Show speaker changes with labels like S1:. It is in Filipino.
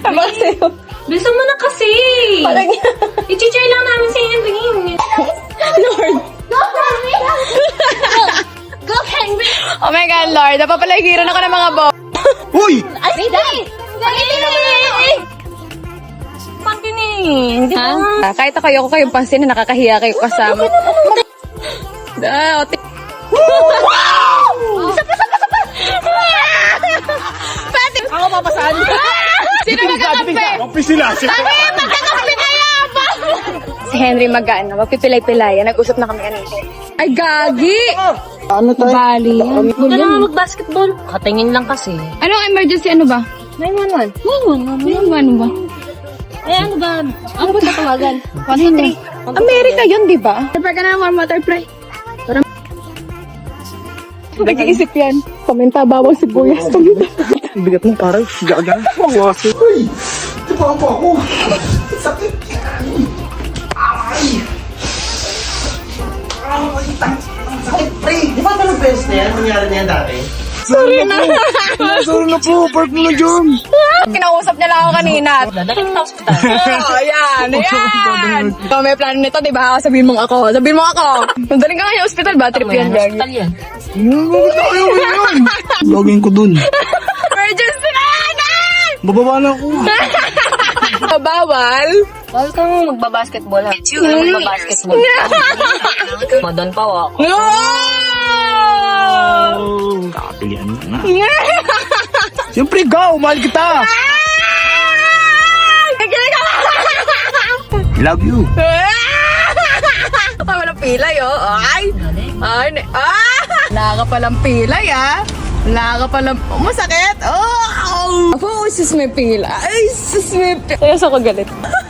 S1: Bilisan mo na kasi.
S2: Parang
S1: I-cheer lang namin si Henry.
S2: Lord.
S1: Go, Henry! Go, Henry!
S2: Oh my God, Lord. Napapalagiran ako ng mga bo.
S3: Uy!
S1: Ay, Dad! Pangkinig!
S2: Ha? Kahit ako, ayoko kayong pansin na nakakahiya kayo kasama. Ote. Pati!
S3: Ako papasahan.
S2: Sino magkakampi?
S3: Kampi sila.
S2: Kami! Magkakampi kayo! Si Henry Magana, magpipilay-pilayan. Nag-usap na kami kanina. Ay, gagi!
S3: Ano tayo?
S2: Bali.
S1: Huwag ka naman mag-basketball. Katingin lang kasi.
S2: Anong emergency? Ano ba?
S1: 911.
S2: Ano ba?
S1: Eh, ano ba? Ano ba tatawagan?
S2: 100. Amerika yun, di ba? Prepare ka na ng warm water, pre. Nag-iisip yan. Pamenta, bawang sibuyas.
S3: Bigat mo parang gaga. Mawaso. Uy! Ito pa ako. Sakit. Ay! Sakit, pre. Di ba ito beses na yan? Nangyari na yan dati? Sorry na. Sorry na po. Park mo na dyan.
S2: Kinausap niya lang ako kanina.
S1: Dadalhin kita hospital.
S2: Oh, ayan. So, may plano nito, di ba? Sabihin mo ako. Madaling ka nga yung hospital ba? Trip yan, gagi.
S1: Hospital yan.
S3: Ayaw mo yun. Login ko dun.
S2: Emergency na yan!
S3: Bababa na ako.
S2: Bawal?
S1: Bawal ka mo magbabasketball ha. Magbabasketball. Madon pa ako.
S2: No!
S3: Kakapilian mo na. Siyempre, go! Mahal kita! Love you!
S2: Walang pilay, oh. Ay! Wala ka palang pilay, ah. Wala ka palang... masakit! Oh! Sus, may pila. Ay, sus, may pila. Kaya sa ko galit.